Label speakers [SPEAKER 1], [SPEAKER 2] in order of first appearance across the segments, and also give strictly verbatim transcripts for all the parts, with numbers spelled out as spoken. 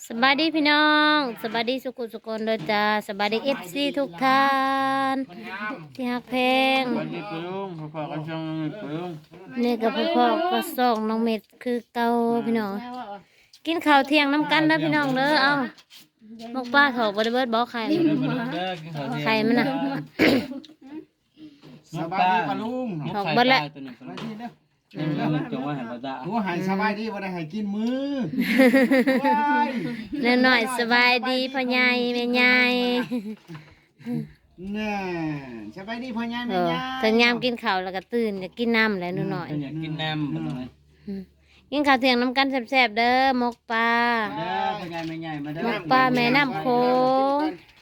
[SPEAKER 1] สบายดีพี่น้องสบายดีสุขุสุคนเด้อจ้าสบายดีเอฟซีทุกท่านที่ฮักเพลง
[SPEAKER 2] สวัสดีปลุงพ่อพ่อก็ช่องปลุง
[SPEAKER 1] นี่กับพ่อพ่อก็ส่องน้องเม็ดคือเก่าพี่น้องกินข้าวเที่ยงน้ำกันเด้อพี่น้องเด้อเอามกป้าถอกบริเบิดบอกไข่
[SPEAKER 2] เด้อปลุงเด้อกินข้าวเที่ยง
[SPEAKER 1] ไข่มันน่ะ
[SPEAKER 3] สบายดีปะลุง
[SPEAKER 2] นก
[SPEAKER 1] ถอก
[SPEAKER 2] ไข่
[SPEAKER 1] เบิด
[SPEAKER 2] ป
[SPEAKER 1] แล้
[SPEAKER 2] ลาว ตัวหนึ่ง
[SPEAKER 3] สบายดีเด้อ
[SPEAKER 2] นี่มันจงไว้ให้ปลาตา
[SPEAKER 3] หัวหายสบายดีบ่ได้ให้กินมือว้าย
[SPEAKER 1] เน้อหน่อยสบายดีพ่อใหญ่แม่ใหญ่
[SPEAKER 3] น่ะสบายดีพ่อใหญ่
[SPEAKER 1] เอ
[SPEAKER 3] แม่
[SPEAKER 1] อ
[SPEAKER 3] ใหญ่
[SPEAKER 1] ถึงยามกินข้าวแล้วก็ตื่นอยากกินน้ำแหล้วหนูหน่อย
[SPEAKER 2] อยากกินน้ำบ่ต้องเลย
[SPEAKER 1] กินข้าวเที่ยงน้ำกันแซ่บๆเด้อมกปลา
[SPEAKER 2] เด้อพ่อใหญ่แม่ใหญ่มาเด้
[SPEAKER 1] ม
[SPEAKER 2] อก
[SPEAKER 1] ปลาแม่น้ำโขง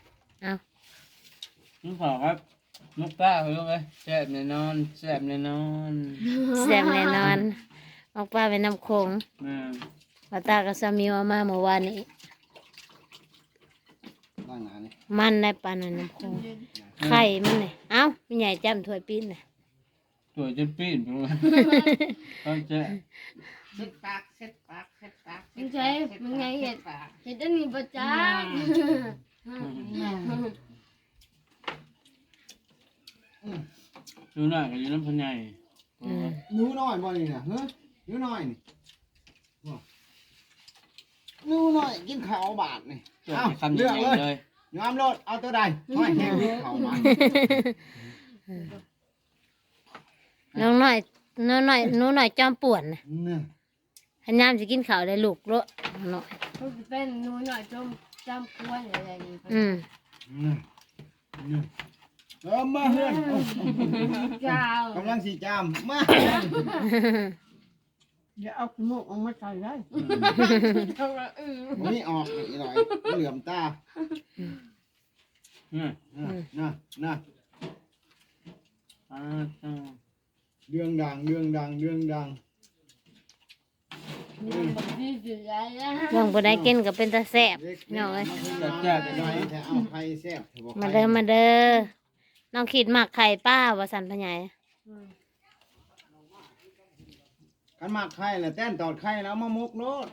[SPEAKER 2] ลุงพ่อครับนกปลาลุงเอ้ยแซ่บแน่นอนแซ่บแน่นอน
[SPEAKER 1] แซ่บแน่นอนมกปลาแม่น้ำโขง
[SPEAKER 2] แม่
[SPEAKER 1] ปลาตากับสามีเอามาเมื่อวานนี้
[SPEAKER 3] ตั้งหน้านี่
[SPEAKER 1] มันได้ปลาในน้ำโขงไข่มันเลยเอ้าไม่ใหญ่จำถ้วยปิ้นเลย
[SPEAKER 2] ตัวจนปีนปลุงต้องแซ่บ
[SPEAKER 4] เซ็ตปากเซ็ตปากเซ็ตปาก
[SPEAKER 5] มึงใช้มึงไงเห็ดเห็ดอันนี้ประจ
[SPEAKER 2] ดูหน้าก็อยู่น้ำพ่อใหญ่
[SPEAKER 1] อืม
[SPEAKER 3] หนูน้อยบ่นี่น่ะเฮ้ยหนูน้อยนี่บ่หนูน้อยกินข้าวบาทนี่
[SPEAKER 2] ตัว
[SPEAKER 3] เอ้า
[SPEAKER 2] คำให
[SPEAKER 3] เลือก
[SPEAKER 2] ญ่
[SPEAKER 3] เลย
[SPEAKER 2] เลย
[SPEAKER 3] ยอมรถเอาตัวใดห้อยแห้งข้าวบาท
[SPEAKER 1] น้องหน่อยน้องหน่อยหนูหน่อยจอมป่วนนะ
[SPEAKER 3] น่ะ
[SPEAKER 1] พยายามจะกินข้าวได้ลูกโลหน่อย
[SPEAKER 5] ำเขาจะเป็นหนูหน่อยจมจำกวนอะไรนี่
[SPEAKER 1] อืม
[SPEAKER 3] น่ะน่ะเออมาเฮือนโอ้
[SPEAKER 5] เจ้าก
[SPEAKER 3] ำลังสิจามมา
[SPEAKER 4] อย่าเอาหมูออกมาใส่ได้
[SPEAKER 5] เขาละอือ
[SPEAKER 3] บ่มีออกอีหน่อยเหลื่อมตา
[SPEAKER 2] นี่
[SPEAKER 3] น่ะน่ะน่ะ
[SPEAKER 2] อ่าจ้า
[SPEAKER 3] เรื่องดังเรื่องดังเรื่องดัง
[SPEAKER 5] มันแบบดีสุดแล้วนะ
[SPEAKER 1] เรื่องบ่ได้กินก็เป็นตาแซ่บน้องเอ้ย
[SPEAKER 3] แจ๊บๆหน่อยแต่เอาไข่แซ่บเถอะบอก
[SPEAKER 1] มาเด้อมาเด้อน้องขีดหมักไข่ป้าว่าสันพะใหญ่
[SPEAKER 3] กันหมักไข่แหละแต้นตอดไข่แล้วเอามามุกโนด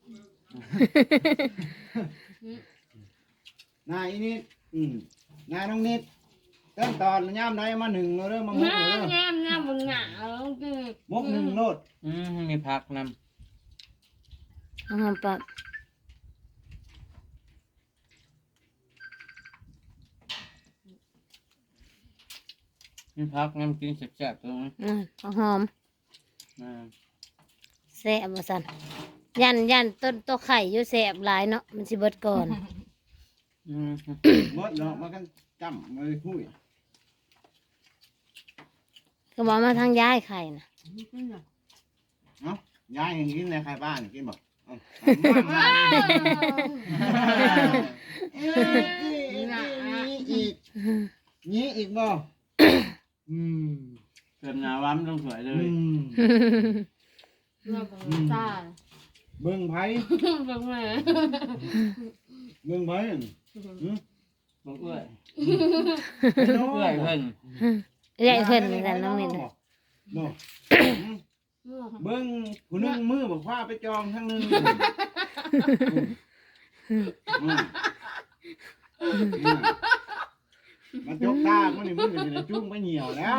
[SPEAKER 3] นายอีนิดอืมนายน้องนิดแต้นตอดย่ามใดมาหนึ่งโนเด้อมามุก
[SPEAKER 5] งา
[SPEAKER 3] โน
[SPEAKER 5] ม
[SPEAKER 3] เด้อง
[SPEAKER 5] ามงามบนหงาแล้วคือ
[SPEAKER 3] มุกหนึ่งโนด
[SPEAKER 2] อืมมีผักน
[SPEAKER 1] เอาหอมปรับ
[SPEAKER 2] ำมีผักน้ำกินแซ่บๆตรงนี้
[SPEAKER 1] อืมเอาหอม
[SPEAKER 2] อ่า
[SPEAKER 1] แซ่บว่าสันยันยันต้นตัวไข่อยู่แซ่บหลายเนาะมันสิเบิดก่อน
[SPEAKER 2] อืม
[SPEAKER 3] หมดเนาะมากันจำมาคุย
[SPEAKER 1] ก็บอกมาทางย้ายไข่นะ
[SPEAKER 3] เนาะยายยังกินในไข่บ้านกินบอกเอาอีกนี้อีกบ่อืม
[SPEAKER 2] เกิดหนาว้ำต้องสวยเล
[SPEAKER 3] อื
[SPEAKER 2] ย
[SPEAKER 3] ม
[SPEAKER 5] เราเป็นตา
[SPEAKER 3] เบิ่งไผ
[SPEAKER 5] เป็นแม่
[SPEAKER 3] เบิ่งไผ
[SPEAKER 2] บอกเอื้อย
[SPEAKER 3] เนาะ
[SPEAKER 2] เอื้อยเพิ่น
[SPEAKER 1] เรียกเพิ่นเหมือนกันน้องเม็ด
[SPEAKER 3] บ่เบิ่งผู้หนึงมือบอกว่าไปจองทั้งหนึงมันจกตามันนี่มันจะจุ้งไปเหี่ยวแล้ว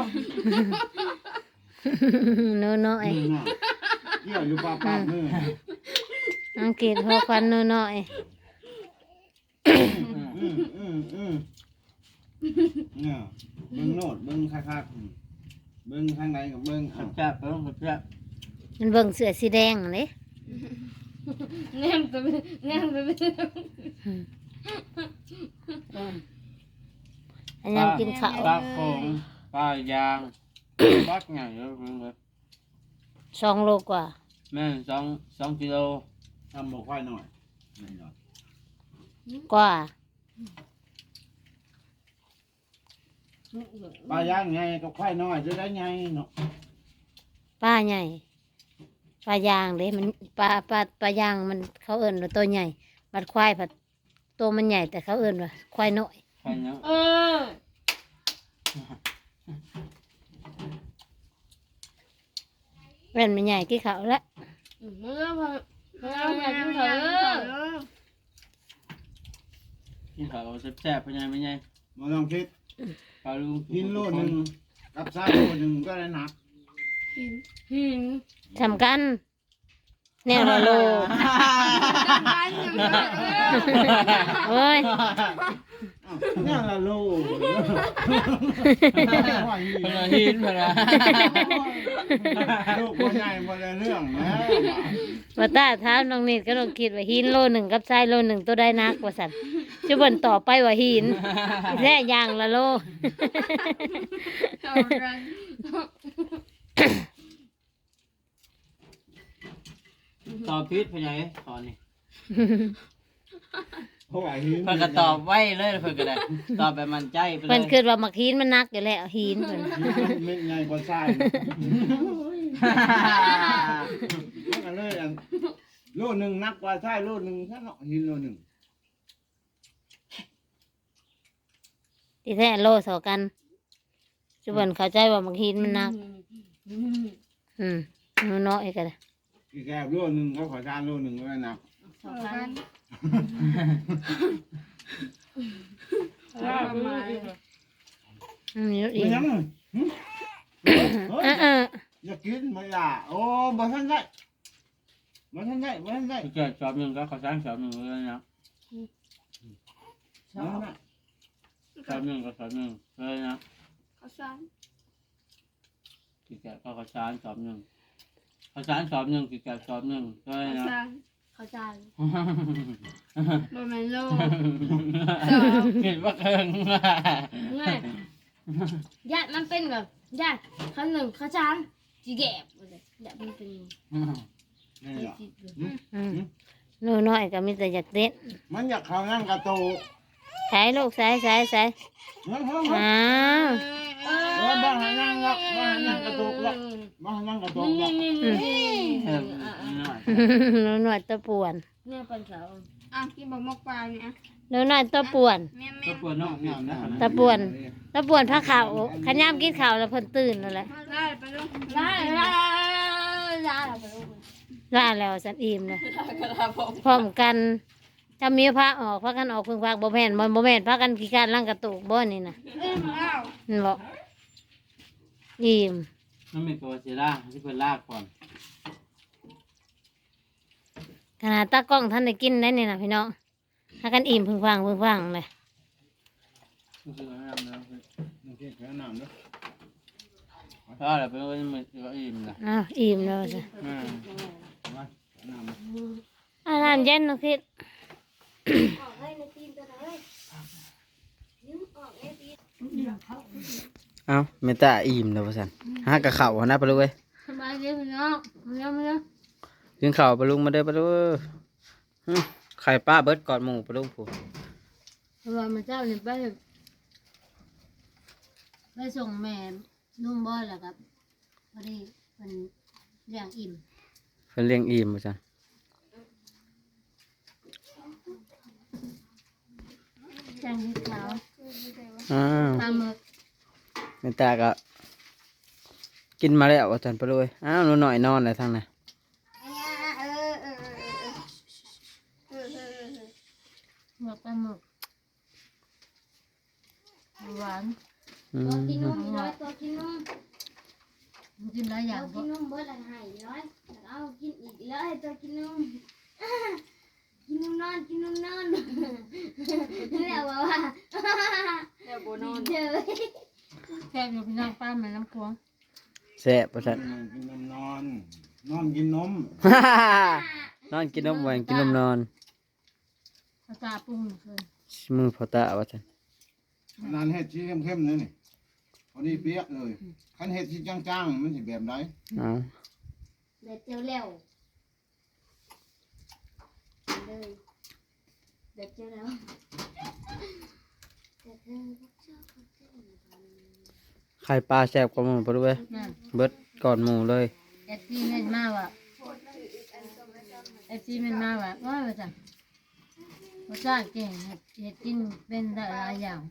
[SPEAKER 1] หนูน้อย
[SPEAKER 3] อืมน่ะเกี่ยวอยู่ปากปากมือ
[SPEAKER 1] อังกฤษพอควันหนูน้อย
[SPEAKER 3] อืมอืมอืมเนี่ยเบิ่งโนดเบิ่งคักๆเบิ่งทางไหนกับเบิ่งเอา
[SPEAKER 2] แซ่บๆเพิ่นแซ่บ
[SPEAKER 1] มันเบิ่งเสือสีแดงเลย
[SPEAKER 5] แนมตัวแนมตัว
[SPEAKER 1] อันยังกินข้าว
[SPEAKER 2] ปลาโขงปลายางปักใหญ่เลยเพิ่นเลย
[SPEAKER 1] สองโลกว่า
[SPEAKER 2] แม่นสองสองกิโล
[SPEAKER 3] ทำบอกควายหน่อยนี่หน่อย
[SPEAKER 1] กว่า
[SPEAKER 3] ปลาย่างไงกับควายน้อยจะได้ไงเนาะ
[SPEAKER 1] ป้าใหญ่ปลายางเด้มันปลาปลาปลายางมันเขาเอิ้นว่าตัวใหญ่บัดควายผัดตัวมันใหญ่แต่เขาเอิ้นว่าควายน้อย
[SPEAKER 2] ใช่เนาะ
[SPEAKER 5] เออ
[SPEAKER 1] แม่นมันใหญ่กี่เขาวละ
[SPEAKER 5] เมื่อพอเมื่อพอกินเถอะ
[SPEAKER 2] กินข้าวแซ่บๆเป็นไงเป็นไง
[SPEAKER 3] มาลองคิด
[SPEAKER 2] ปลาลูก
[SPEAKER 3] กินโลหนึ่งกับไส้โลหนึ่งก็ได้หนัก
[SPEAKER 5] หิน
[SPEAKER 1] สำคัญแนวละโลโอ้ย
[SPEAKER 3] นี่ละโล
[SPEAKER 2] พลาหินพลา
[SPEAKER 3] ลูกคนใหญ่บ่ได้เรื่องนะ
[SPEAKER 1] ว่าตาถามน้องนิดก็ต้องคิดว่าหินโลหนึ่งกับทรายโลหนึ่งตัวได้นักว่าสันจุบันต่อไปว่าหินแท้ยางละโล
[SPEAKER 5] เอารัง
[SPEAKER 2] ตอบพิษเป็นไงตอนนี้
[SPEAKER 3] เพราะว่าหิน
[SPEAKER 2] เพิ่นก็ตอบไว้เลยเพิ่นก็ได้ตอบแบบมั่นใจไปเลย
[SPEAKER 1] เพิ่นคิดว่ามักหินมันนักอยู่แล้วหินเพิ่น
[SPEAKER 3] มันใหญ่กว่าไส้มันก็เลยอันโลหนึ่งนักกว่าไส้โลหนึ่งแค่เนาะหินโลหนึ่ง
[SPEAKER 1] ที่แท้โลสอกันจุบันเข้าใจว่ามักหินมันนัก อืมมันน้อยก็ได้
[SPEAKER 3] อีกแก้วโลหนึ่งก็ขอจานโลหนึ่งก็ได้หนัก
[SPEAKER 5] สองพัน
[SPEAKER 4] ว่ามา
[SPEAKER 1] อืมอยู่อี
[SPEAKER 3] ไม่
[SPEAKER 1] ก
[SPEAKER 3] ยังเฮ้ย
[SPEAKER 1] เออเออ
[SPEAKER 3] อยากกินไม่ล่ะโอ้บ่ทันได้บ่ทันได้บ่ทันได้
[SPEAKER 2] เกิดสอบหนึ่งก็ขอสร้างสอบหนึ่งเลยนะ
[SPEAKER 3] บ่ทันได้
[SPEAKER 2] สอบหนึ่งก็สอบหนึ่งเลยนะ
[SPEAKER 5] เขาสร้าง
[SPEAKER 2] กิจแกก็ขอสร้างสอบหนึ่งขอสร้างสอบหนึ่งกิจแกสอบหนึ่งเลย
[SPEAKER 5] เขา
[SPEAKER 2] นะ
[SPEAKER 5] สร้างเขาสร้างบนแมนโล
[SPEAKER 2] เห็นว่าเคิง
[SPEAKER 5] ง่ายญาติมันเป็นแบบญาติเขาหนึ่งเขาสร้างจีแกบญาติมันเป็น
[SPEAKER 3] นี่
[SPEAKER 5] ไอ้
[SPEAKER 3] ล่ะ
[SPEAKER 5] จี
[SPEAKER 1] อืมหนูน้อยก็มีแต่อยากเต้น
[SPEAKER 3] มันอยากเข้านั่งกระโต
[SPEAKER 1] ใส่ลูกใส่ใส่ใส่
[SPEAKER 3] เฮ้ยเฮ้ยเฮ้ย
[SPEAKER 1] อ้าว
[SPEAKER 3] เออบ้านให้นั่งหรอกบ้านให้นั่งกระโตกหรอกบ้านให้นั่งกระโตกหรอก
[SPEAKER 5] นี่นี่นี่นี่
[SPEAKER 1] หนูน้อยตัวป่วน
[SPEAKER 5] เนี่ยเป็นเสาอ่ะกินบะหมกปลาเนี่ย
[SPEAKER 1] หนูน้อยตัวป่วน
[SPEAKER 5] แม่
[SPEAKER 2] ก็
[SPEAKER 5] แม่
[SPEAKER 2] ปวดน้องเนี่ยนะ
[SPEAKER 1] ตะป่วนตะป่วนผ้าขาวขยามกินข้าวแล้วเพิ่นตื่นแล้วแหละ
[SPEAKER 5] ได้ไปลูกได้ได้ได้ไปลูก
[SPEAKER 1] ล่าแล้วสันอิ่มเลยพร้อมกันถ้ามีพระออกพระกันออกพึ่งพากบ่แม่นบ่บ่แม่นพระกันกี่การล่างกระตุกบ่นี่นะ
[SPEAKER 5] เอ้ยมาแล้ว
[SPEAKER 1] มันบอกอิ่ม
[SPEAKER 2] น้องมีตัวเสียล่าที่เพิ่นลากก่อน
[SPEAKER 1] ขนาดตากล้องท่านได้กินได้นี่นะพี่น้องถ้ากันอิ่มพึ่งฟังพึ่งฟังเลย
[SPEAKER 2] คือน้ำแล้ว
[SPEAKER 3] นี่คือแค่น้ำเด้อ
[SPEAKER 2] เพราะอะไรเป็นว่ามันก็อิ่มนะ
[SPEAKER 1] อ้าวอิ่มแล้วสิ
[SPEAKER 2] อืม
[SPEAKER 3] มาน้ำ
[SPEAKER 1] อาหารเย็นน้องคิด
[SPEAKER 2] เอ้าเมตาอิ่มแล้วพ่อสันหากระเข่านะปะลูกเอ้ย
[SPEAKER 5] สบายดีพี่น้องมาแล้วมาแล้ว
[SPEAKER 2] กินข้าวปะลุงมาเด้อปะลูกอื้อไข่ป้าเบิดกอดหมูปะลุงผู้
[SPEAKER 1] เพราะว่ามันเจ้าเนี่ยไปไปส่งแม่นุ่มบ่อยแล้วครับพอดีมันเลี้ยงอิ่ม
[SPEAKER 2] เพิ่นเลี้ยงอิ่มพ่อสัน
[SPEAKER 1] แจ้งที่ขาว
[SPEAKER 2] อ้าว
[SPEAKER 1] ปลาหมึก
[SPEAKER 2] เมตาก็กินมาแล้วพ่อสันปะลูกเอ้ยอ้าวหนูหน่อยนอนเลยทางน่ะ
[SPEAKER 1] หมึกปลาหมึกหวาน
[SPEAKER 2] อืม
[SPEAKER 5] กินนมน้อยตัวกินนม
[SPEAKER 1] มันกินหลายอย่าง
[SPEAKER 5] กินนมเบิดละให้น้อยเอากินอีกแล้วให้ตัวกินนมกินนมนอนกินนมนอนแล้วว่าแล้วบ่นอนเด้อ
[SPEAKER 1] แซ่บอยู่พี่น้องป้าแม่น้ำพวง
[SPEAKER 2] แซ่บพ่อสัน
[SPEAKER 3] กินนมนอน นอนกินนม
[SPEAKER 2] นอนกินนมหวานกินนมนอน
[SPEAKER 1] ภาษาปรุงเพิ่น
[SPEAKER 2] มือพ่อตาว่าสัน
[SPEAKER 3] นานเห็ดที่เข้มๆนั่นนี่พอดีเปียกเลยคันเห็ดที่จ้างๆมันสิแบบไหน
[SPEAKER 2] เอา
[SPEAKER 5] เด็ดเจียวแล้วเลยเด็ดเจียวแล้ว
[SPEAKER 2] ไข่ปลาแซ่บกว่าหมูปะลูกเอ้ย
[SPEAKER 1] นั่น
[SPEAKER 2] เบิดกอดหมูเลย
[SPEAKER 1] เอฟซีแม่นมาว่ะเอฟซีแม่นมาว่ะว่าว่าจ้ะรสชาติเก่งเห็ดเห็ดกินเป็นได้หลายอย่าง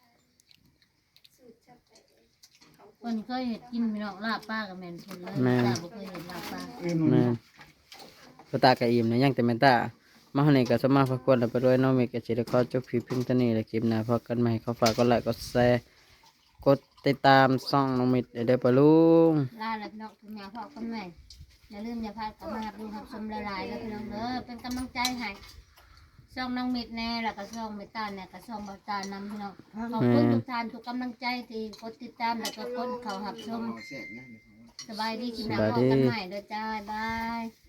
[SPEAKER 1] คนเคยเห็ดกินพี่น้องลาบป้ากับแม่นคนเลยจ้าบ่เคยเห็ดลาบป้า
[SPEAKER 3] เอ้ย
[SPEAKER 2] แม่นพ่อตากะอิ่มนะยังแต่แม่นตามาในก็สมาพักควรไปด้วยน้องเมกกับจิรกรจบคลิปเพียงเท่านี้แหละคลิปหน้าพบกันใหม่เขาฝากกดไลค์กดแชร์กดติดตามช่องน้องมิดเด้อปะลุง
[SPEAKER 1] ลาแล้วพี่น้องคุณแม่พ่อคุณแม่อย่าลืมอย่าพลาดเข้ามาดูรับชมละลายแล้วพี่น้องเด้อเป็นกำลังใจให้ช่องน้องมิดแน่แล้วก็ช่องเมตตาเนี่ยก็ช่องบาตานำพี่น้องขอบคุณทุกท่านทุกกำลังใจที่กดติดตามแล้วก็กดเข้ารับชม
[SPEAKER 3] เอาแซ่บนะเดี๋ยวเขา
[SPEAKER 1] สบายดีกินน้ำพอกันใหม่เด้อจ้าบาย